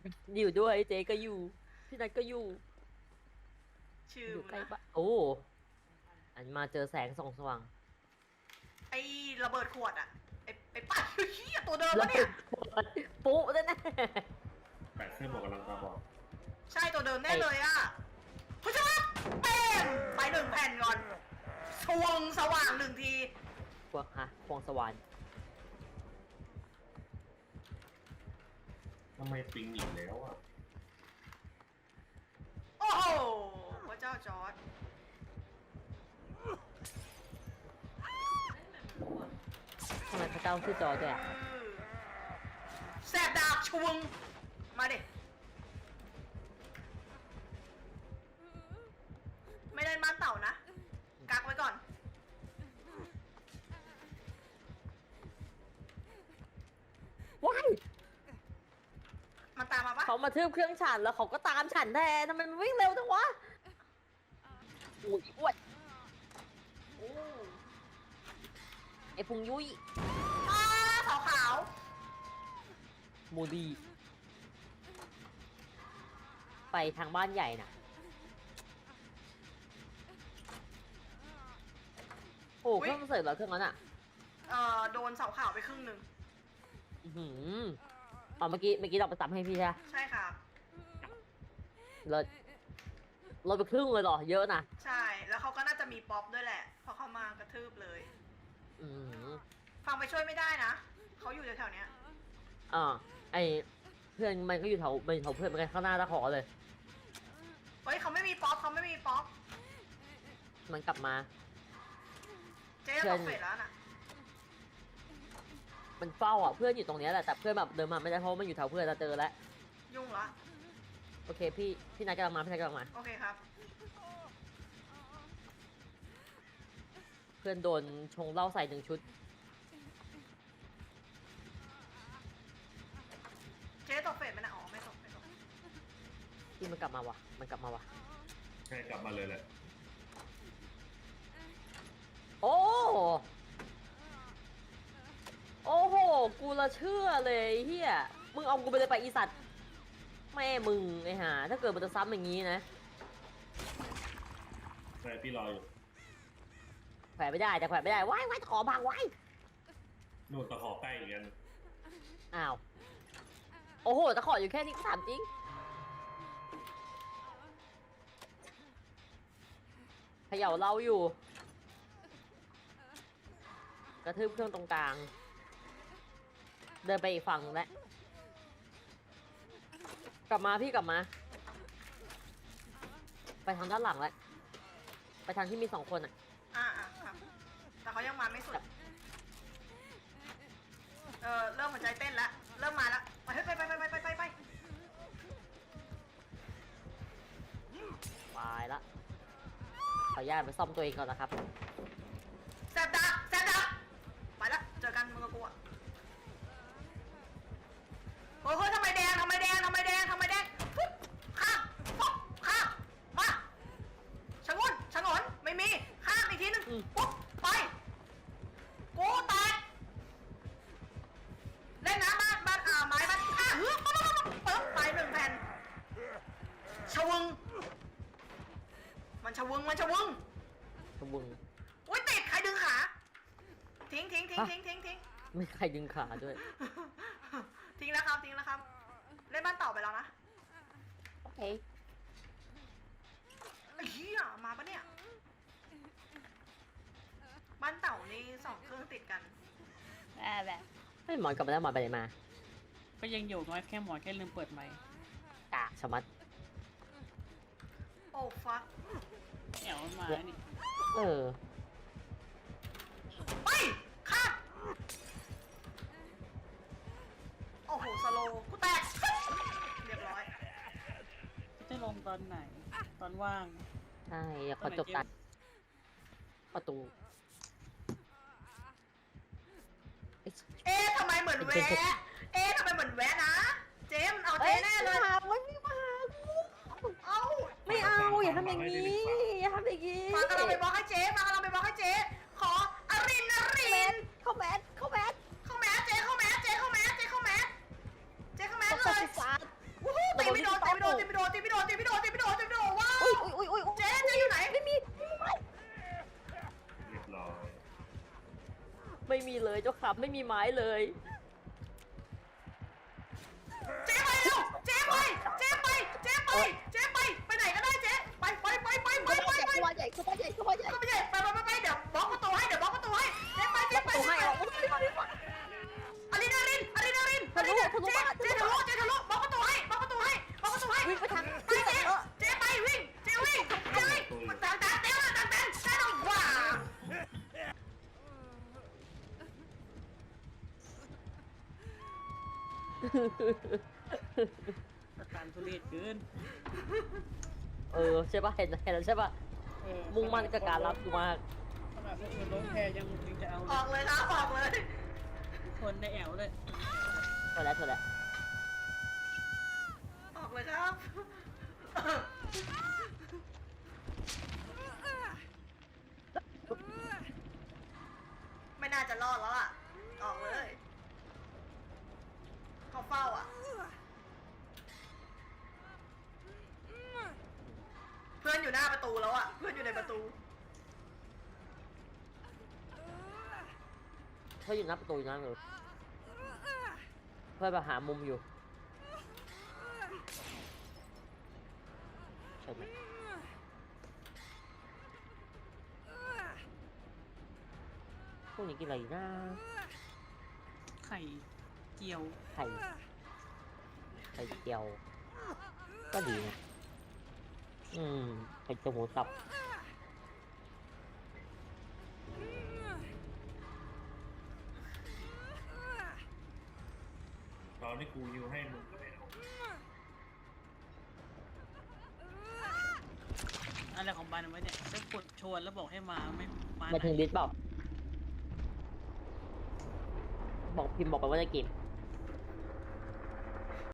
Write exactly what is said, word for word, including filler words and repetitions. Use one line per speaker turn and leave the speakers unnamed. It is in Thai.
อยู่ด้วยเจ๊ก็อยู่พี่นัทก็อยู่
ชื่อ
อยู่
มึงนะ
ใกล้บ้านโอ้อันมาเจอแสงส่องสว่าง
ไอ้ระเบิดขวดอะไอ้ไอ้ปัดเฮียตัวเดิม
แล้ว
ปะเนี่ย
ปุ๊แน่
แปดเสื้อหมวกกำลังตาบอด
ใช่ตัวเดิมแน่เลยอะผู้ชมเป้งไปหนึ่งแผ่นก่อนชวงสว่างหนึ่งที
ๆพวกฮะพวงสวรรค์
ทำไมปิงอีกแล้วอ่ะ
โอ้โหพระเจ้าจอร์ด
ทำไมพระเจ้าชื่อจอร์จด้วยอ่ะ
แสบดาบชวงมาดิไม่ได้มาเต่านะกักไว้ก่อน
ว้าย
มันตามมาปะ
เขามาทืบเครื่องฉันแล้วเขาก็ตามฉันแทนทำไมมันวิ่งเร็วจังวะอุ้ยอ้วนไอ้พุงยุ้ย
อ้าขาวขาว
โมดีไปทางบ้านใหญ่น่ะโอ้เครื่องมันเสร็จแล้วเครื่องนั้นอ่ะ
เอ่อโดนเสาขาวไปครึ่งหนึ่ง
อือหืออ๋อเมื่อกี้เมื่อกี้เราไปซ้ำให้พี่ใช่ไหม
ใช่ครับ
เราเราไปครึ่งเลยเหรอเยอะนะ
ใช่แล้วเขาก็น่าจะมีป๊อปด้วยแหละเพอเขามากระทืบเลย
อืม
ฟังไปช่วยไม่ได้นะเขาอยู่แถวๆเนี้ย
อ่าไอเพื่อนมันก็อยู่แถวมันอยู่แถวเพื่อนมันกันข้างหน้าตะขอเลย
เฮ้ยเขาไม่มีป๊อปเขาไม่มีป๊อป
มันกลับมา
เจ๊
เพื่
ต
อน
กเฟสแล้วน่ะ
มันเฝ้าอ่ะเพื่อนอยู่ตรงเนี้ยแหละแต่เพื่อนแบบเดินมาไม่ได้เพราะว่ามันอยู่แถวเพื่อนเราเจอแล้ว
ยุ่งละ
โอเคพี่พี่นายกำลังมาพี่นายกำลังมา
โอเคครับ
เพื่อนโดนชงเหล้าใส่หนึ่งชุด
เจ๊ตกเฟสไหมนะอ๋อไม่ตกไม่ตก
ที่มันกลับมาวะมันกลับมาวะ
ใช่กลับมาเลยแหละ
โอ้โอ้โหกูละเชื่อเลยเฮียมึงเอากูไปเลยไปอีสัตว์แม่มึงไอ้ห่าถ้าเกิดมันจะซ้ำอย่างนี้นะ
ใช่พี่รออยู่
แขวนไม่ได้แต่แขวนไม่ได้ว้ายว้ายตะขอพังว้าย
นู่นตะขอใกล้อีกกัน
อ้าวโอ้โหตะขออยู่แค่นี้ก็ถามจริงเขย่าเราอยู่กระทืบเครื่องตรงกลางเดินไปอีกฝั่งแล้วกลับมาพี่กลับมาไปทางด้านหลังแล้วไปทางที่มีสองคนอ่ะ
อ่าอ่าครับแต่เขายังมาไม่สุดเออเริ่มหัวใจเต้นแล้วเริ่มมาแล้วไปเฮ้ยไปไปไปไปไปไปไป
ตายละขออนุญาตไปซ่อมตัวเองก่อนนะครับ
แสบดาบแสบดาบไปละเจอกันมึงกับกูอะเฮ้ยเฮ้ยทำไมแดงทำไมแดงทำไมแดงทำไมแดงปุ๊บข้ามปุ๊บข้ามมาชะงนชะงนไม่มีข้ามอีกทีหนึง
อืม
ปุ๊บไปกูแตกเล่นน้ำบ้านบ้านอ่าไม้บ้านอ่าเฮ้ยปุ๊บปุ๊บปุ๊บไปหนึ่งแผ่นชะวึงมันชะวึงมันชะวึง
ขบุง
อุ้ยติดใครดึงขาทิ้งทิ้งทิ้งทิ้งทิ้งทิ้ง
ไม่ใครดึงขาด้วย
ทิ้งแล้วครับทิ้งแล้วครับเล่นบ้านต่อไปแล้วนะ
โอเค
ไอ้เหี้ยมาปะเนี่ยบ้านเต่านี่สองเครื่องติดกัน
แบบแบบ
ไม่หมอนกลับมาแล้วหมอนไปไหนมา
ก็ยังอยู่น้อยแค่หมอแค่ลืมเปิดไมค์
กะชะมัด
โอ้ฟัก
เดี๋ยวมันมานี่
เออ
ไปข้ามโอ้โหสโลว์กูแตกเรียบร้อย
จะลงตอนไหน ตอนว่าง
ใช่อยากขอจบตัดประตู
เอ๊ะทำไมเหมือนแวะเอ๊ะทำไมเหมือนแวะนะเจมส์เอาเจแน่เลย
ไม่มาไม่มากู
เอ้า
ไม่เอาอย่าทำอย่างนี้อย่าทำอย่างนี้
มากำลังไปบล็อกให้เจ๊มากำลังไปบล็อกให้เจ๊ขออรินอริน
เข้าแมสเข้าแมส
เข้าแมสเจ๊เข้าแมสเจ๊เข้าแมสเจ๊เข้าแมสเจ๊เข้าแมส
เข้า
เล
แม
ย
สสัตว์
วู้ฮู้เจ๊ไม่โดนเจ๊ไม่โดนเจ๊ไม่โดนว้าว
อุ้ยอุ้ยอุ้ยอุ้ย
เจ๊เจ๊อยู่ไหน
ไม่มี
เรียบร้อย
ไม่มีเลยเจ้าขับไม่มีไม้เลย
เจ๊ไปเร็วเจ๊ไปเจ๊ไปเจ๊ไปเจ๊ไปไปไหนก็ได้เจ๊ไปไปไปไปไปไปไป
ตัวใหญ่ตัวใหญ่ตัวใหญ่
ก็ไม่ใช่ไปไปไปไปเดี๋ยวบล็อกประตูให้เดี๋ยวบล็อกประตูให้เจ๊ไปเจ๊ไป
ตัวให้
เจ๊
เอา
อะดรีนาลินอะดรีนาลินอะดรีนาลินเจ๊เจ๊ทะลุเจ๊ทะลุบล็อกประตูให้บล็อกประตูให้บล็อกประตูให้
วิ่งไปทาง
ไปเจ๊เจ๊ไปวิ่งเจ๊วิ่งเจ๊วิ่งมันต่างต่างเต้นต่างเต้นได้หรอว้า
อาการทุเรศเกิน
เออใช่ป่ะเห็นเห็นแล้วใช่ป่ะ
เออ
มุ่งมั่นกับการรับอยู่มาก
ขนาดคนอื่นล้มแพยังยังจะเอา
ออกเลยครับออกเลย
คนในแอวเลย
เท่าแล้วเท่าแล้ว
ออกเลยครับไม่น่าจะรอดแล้วอ่ะออกเลยเขาเฝ้าอ่ะเพื่อนอยู่หน้าประตูแล้วอ่ะเพื่อนอยู่ในประตู
เพื่อนอยู่หน้าประตูอยู่นั่นเลยเพื่อนแบบหามุมอยู่ใช่ไหมพวกนี้กินอะไรอยู่นะ
ไข่เจียว
ไข่ไข่เจียวก็ดีนะอืมไข่เจียวหมูสับ
ตอนที่กูยิวให้มึงก็ไม่เอา
อะไรของบ้านเอาไว้เนี่ยไปกดชวนแล้วบอกให้มาไม่มา
มาถึงลิสต์บอกบอกพิมพ์บอกไปว่าจะเก็บ